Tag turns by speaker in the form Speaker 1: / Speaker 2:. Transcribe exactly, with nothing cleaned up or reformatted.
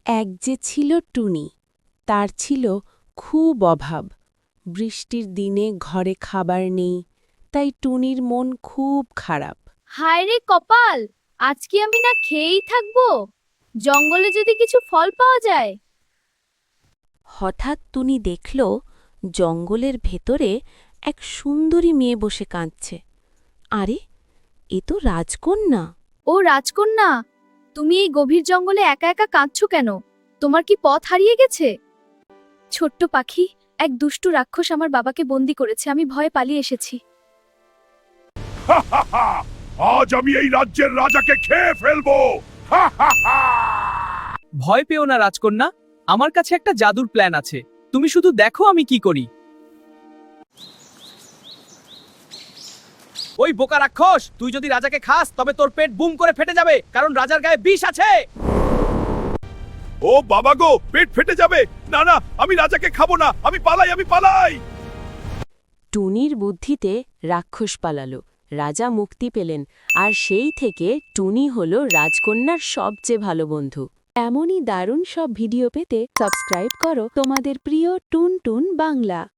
Speaker 1: এক যে ছিল টুনি, তার ছিল খুব অভাব। বৃষ্টির দিনে ঘরে খাবার নেই, তাই টুনির মন খুব খারাপ।
Speaker 2: হায় রে কপাল, আজকে আমি না খেয়েই থাকবো। জঙ্গলে যদি কিছু ফল পাওয়া যায়।
Speaker 1: হঠাৎ টুনি দেখল জঙ্গলের ভেতরে এক সুন্দরী মেয়ে বসে কাঁদছে। আরে, এ তো রাজকন্যা!
Speaker 2: ও রাজকন্যা, তুমি এই গভীর জঙ্গলে একা একা কাঁদছো কেন? তোমার কি পথ হারিয়ে গেছে? ছোট্ট পাখি, এক দুষ্টু রাক্ষস আমার বাবাকে বন্দি করেছে, আমি ভয়ে পালিয়ে এসেছি।
Speaker 3: আজ আমি এই রাজ্যের রাজাকে খেয়ে ফেলবো।
Speaker 4: ভয় পেও না রাজকন্যা, আমার কাছে একটা জাদুর প্ল্যান আছে। তুমি শুধু দেখো আমি কি করি। ওই বোকা রাক্ষস, তুই যদি রাজাকে খাস তবে তোর পেট বুম করে ফেটে যাবে, কারণ রাজার গায়ে বিষ আছে।
Speaker 3: ও বাবা গো, পেট ফেটে যাবে। না না, আমি রাজাকে খাবো না, আমি পালাই, আমি পালাই।
Speaker 1: টুনির বুদ্ধিতে রাক্ষস পালালো, রাজা মুক্তি পেলেন, আর সেই থেকে টুনি হল রাজকন্যার সবচেয়ে ভালো বন্ধু। এমনই দারুণ সব ভিডিও পেতে সাবস্ক্রাইব করো তোমাদের প্রিয় টুন টুন বাংলা।